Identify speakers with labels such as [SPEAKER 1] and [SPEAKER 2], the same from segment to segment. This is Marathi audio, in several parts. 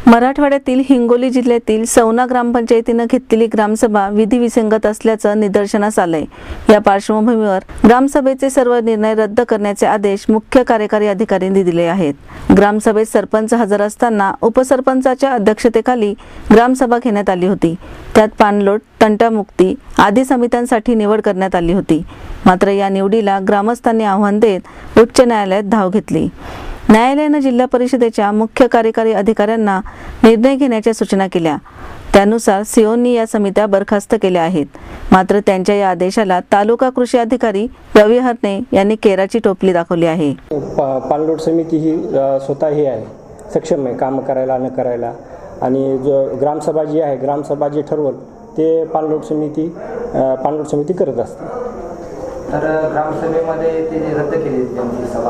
[SPEAKER 1] मराठवाड्यातील हिंगोली जिल्ह्यातील सौना ग्रामपंचायतीनं घेतलेली ग्रामसभा विधिविसंगत असल्याचं निदर्शनास आलंय। या पार्श्वभूमीवर ग्रामसभेचे सर्व निर्णय रद्द करण्याचे आदेश मुख्य कार्यकारी अधिकाऱ्यांनी दिले आहेत। ग्रामसभेत सरपंच हजर असताना उपसरपंचाच्या अध्यक्षतेखाली ग्रामसभा घेण्यात आली होती। त्यात पाणलोट, तंटामुक्ती आदी समित्यांसाठी निवड करण्यात आली होती। मात्र या निवडीला ग्रामस्थांनी आव्हान देत उच्च न्यायालयात धाव घेतली। न्यायालयाने जिल्हा परिषदेच्या मुख्य कार्यकारी अधिकाऱ्यांना निर्णय घेण्याच्या सूचना केल्या। त्यानुसार सीओनी या समित्या बरखास्त केल्या आहेत। मात्र त्यांच्या या आदेशाला तालुका कृषी अधिकारी रवी हरणे यांनी केराची टोपली दाखवली आहे।
[SPEAKER 2] पाणलोट समिती ही स्वतः ही आहे, सक्षम आहे काम करायला न करायला, आणि जो ग्रामसभा जी आहे, ग्रामसभा जे ठरवल ते पाणलोट समिती करत असते।
[SPEAKER 3] तर ग्रामसभेमध्ये ते रद्द केली त्यांची सभा,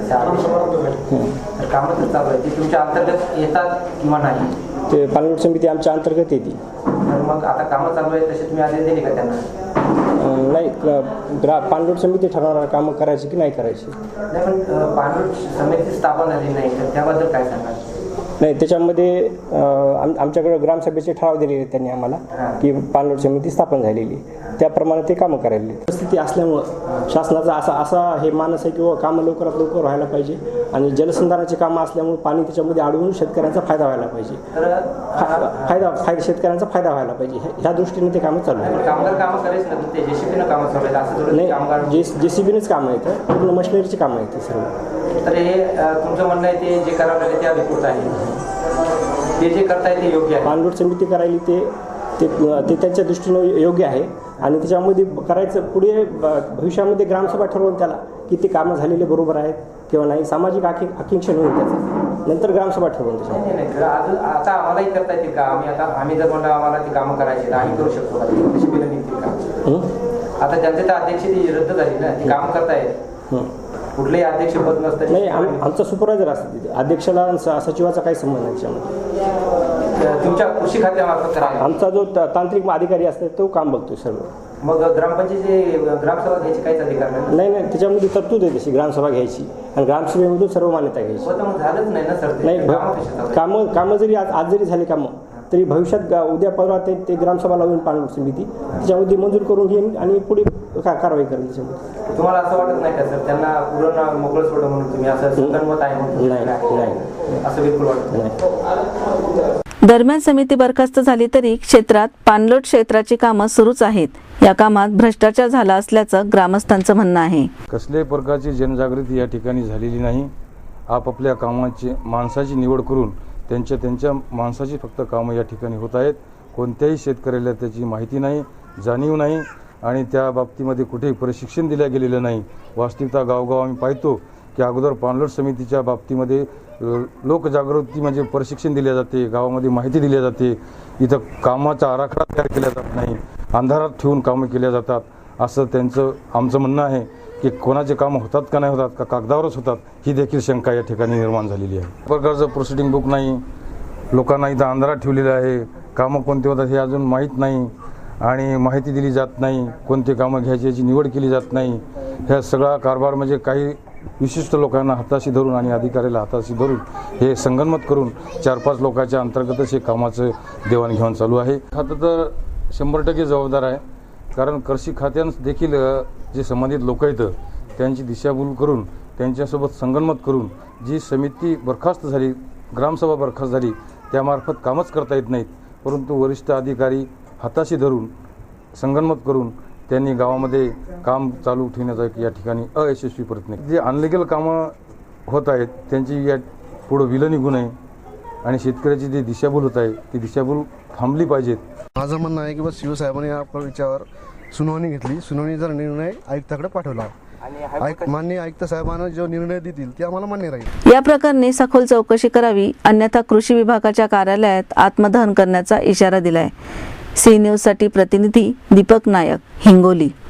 [SPEAKER 3] तर कामं तर चालू आहे, ती तुमच्या अंतर्गत येतात किंवा नाही?
[SPEAKER 2] ते पाणलोट समिती आमच्या अंतर्गत येते।
[SPEAKER 3] तर मग आता कामं चालू आहे तसे तुम्ही आदेश दिले का त्यांना?
[SPEAKER 2] नाही, पाणलोट समिती ठरवणार कामं करायची की नाही करायची।
[SPEAKER 3] नाही, पण पाणलोट समिती स्थापन झाली नाही तर त्याबद्दल काय सांगाल?
[SPEAKER 2] नाही, त्याच्यामध्ये आमच्याकडे ग्रामसभेचे ठराव दिलेले त्यांनी आम्हाला की पाणलोट समिती स्थापन झालेली, त्याप्रमाणे ते कामं करायला। परिस्थिती असल्यामुळं शासनाचा असा हे मानस आहे की कामं लवकरात लवकर व्हायला पाहिजे, आणि जलसंधारणाची कामं असल्यामुळे पाणी त्याच्यामध्ये अडवून शेतकऱ्यांचा फायदा व्हायला पाहिजे, शेतकऱ्यांचा फायदा व्हायला पाहिजे, ह्या दृष्टीने ते कामं चालू आहेत।
[SPEAKER 3] कामगार कामं करायचं ना, ते जेसीबीनं कामं चालू आहेत असं थोडं?
[SPEAKER 2] नाही, जेसीबीनेच कामं आहेत, पूर्ण मशिनरीची कामं आहेत सर्व।
[SPEAKER 3] तर हे तुमचं म्हणणं आहे ते जे करावं लागेल ते अधिकृत आहे, ते जे करताय ते योग्य आहे?
[SPEAKER 2] पाणलोट समिती करायली ते त्यांच्या दृष्टीने योग्य आहे, आणि त्याच्यामध्ये करायचं पुढे भविष्यामध्ये ग्रामसभा ठरवून त्याला की ते कामं झालेले बरोबर आहेत किंवा नाही, सामाजिक आकांक्षण होईल त्याचं, नंतर ग्रामसभा ठरवून
[SPEAKER 3] त्याच्या। आता आम्हालाही करता येतील का? आम्ही जर म्हणलं आम्हाला ती कामं करायची तर आम्ही करू शकतो का? तशी बिलं निघतील का? आता ज्यांचे तर अध्यक्ष ती रद्द झाली ना, ती कामं करतायत, कुठलेही अध्यक्ष पद नसतं?
[SPEAKER 2] नाही, आमचा सुपरवायझर असतो तिथे, अध्यक्षाला सचिवाचा काही संबंध नाही त्याच्यामध्ये।
[SPEAKER 3] तुमच्या कृषी खात्यामार्फत
[SPEAKER 2] आमचा जो तांत्रिक अधिकारी असतो तो काम बघतोय सर्व।
[SPEAKER 3] मग ग्रामपंचायतीची ग्रामसभा घ्यायची काहीच अधिकार नाही?
[SPEAKER 2] नाही, त्याच्यामध्ये तरतूद आहे तशी ग्रामसभा घ्यायची, आणि ग्रामसभेमधून सर्व मान्यता घ्यायची।
[SPEAKER 3] मग झालंच नाही ना सर?
[SPEAKER 2] नाही, कामं जरी आज जरी झाली कामं, तरी भविष्यात उद्या परवा ते ग्रामसभा लावून पाणलोट समिती त्याच्यामध्ये मंजूर करून घेईन आणि पुढे कारवाई करेल त्याच्यामध्ये।
[SPEAKER 3] तुम्हाला असं वाटत नाही का सर त्यांना पूर्ण मोकळं सोडं म्हणून तुम्ही असं संगणमत आहे म्हणून?
[SPEAKER 2] नाही,
[SPEAKER 3] असं बिलकुल वाटत नाही।
[SPEAKER 1] दरम्यान समिती बरखास्त झाली तरी क्षेत्रात पाणलोट क्षेत्राची कामं सुरूच आहेत। या कामात भ्रष्टाचार झाला असल्याचं ग्रामस्थांचं म्हणणं आहे।
[SPEAKER 4] कसल्याही प्रकारची जनजागृती या ठिकाणी झालेली नाही। आपापल्या कामाची माणसाची निवड करून त्यांच्या माणसाची फक्त कामं या ठिकाणी होत आहेत। कोणत्याही शेतकऱ्याला त्याची माहिती नाही, जाणीव नाही, आणि त्या बाबतीमध्ये कुठेही प्रशिक्षण दिलं गेलेलं नाही। वास्तविकता गावगाव आम्ही पाहतो की अगोदर पाणलोट समितीच्या बाबतीमध्ये लोकजागृती म्हणजे प्रशिक्षण दिले जाते, गावामध्ये माहिती दिली जाते, इथं कामाचा आराखडा तयार केला जात नाही, अंधारात ठेवून कामं केल्या जातात, असं आमचं म्हणणं आहे की कोणाचे कामं होतात का नाही होतात, का कागदावरच होतात, ही देखील शंका या ठिकाणी निर्माण झालेली आहे। प्रकारचं प्रोसिडिंग बुक नाही, लोकांना इथं अंधारात ठेवलेलं आहे, कामं कोणते होतात हे अजून माहीत नाही, आणि माहिती दिली जात नाही, कोणते कामं घ्यायची याची निवड केली जात नाही। ह्या सगळा कारभार म्हणजे काही विशिष्ट लोकांना हाताशी धरून आणि अधिकाऱ्याला हाताशी धरून हे संगनमत करून 4-5 लोकांच्या अंतर्गतच हे कामाचं देवाणघेवाण चालू आहे। खातं तर 100% जबाबदार आहे, कारण कृषी खात्यानं देखील जे संबंधित लोक आहेत त्यांची दिशाभूल करून त्यांच्यासोबत संगनमत करून जी समिती बरखास्त झाली, ग्रामसभा बरखास्त झाली, त्यामार्फत कामच करता येत नाहीत, परंतु वरिष्ठ अधिकारी हाताशी धरून संगनमत करून त्यांनी गावामध्ये काम चालू ठेवण्याचा या ठिकाणी अयशस्वी प्रयत्न। जे अनलिगल कामं होत आहेत त्यांची या पुढं विलं निघू नये, आणि शेतकऱ्याची जी दिशाभूल होत आहे ती दिशाभूल थांबली पाहिजेत।
[SPEAKER 5] माझं म्हणणं आहे की बस शिवसाहेबांनी या विचारावर सुनावणी घेतली, सुनावणीचा निर्णय आयुक्ताकडे पाठवला, माननीय आयुक्त साहेबांना जो निर्णय देतील ते आम्हाला मान्य राहील।
[SPEAKER 1] या प्रकरणी सखोल चौकशी करावी, अन्यथा कृषी विभागाच्या कार्यालयात आत्मदहन करण्याचा इशारा दिलाय। सी न्यूज साठी प्रतिनिधी दीपक नायक, हिंगोली।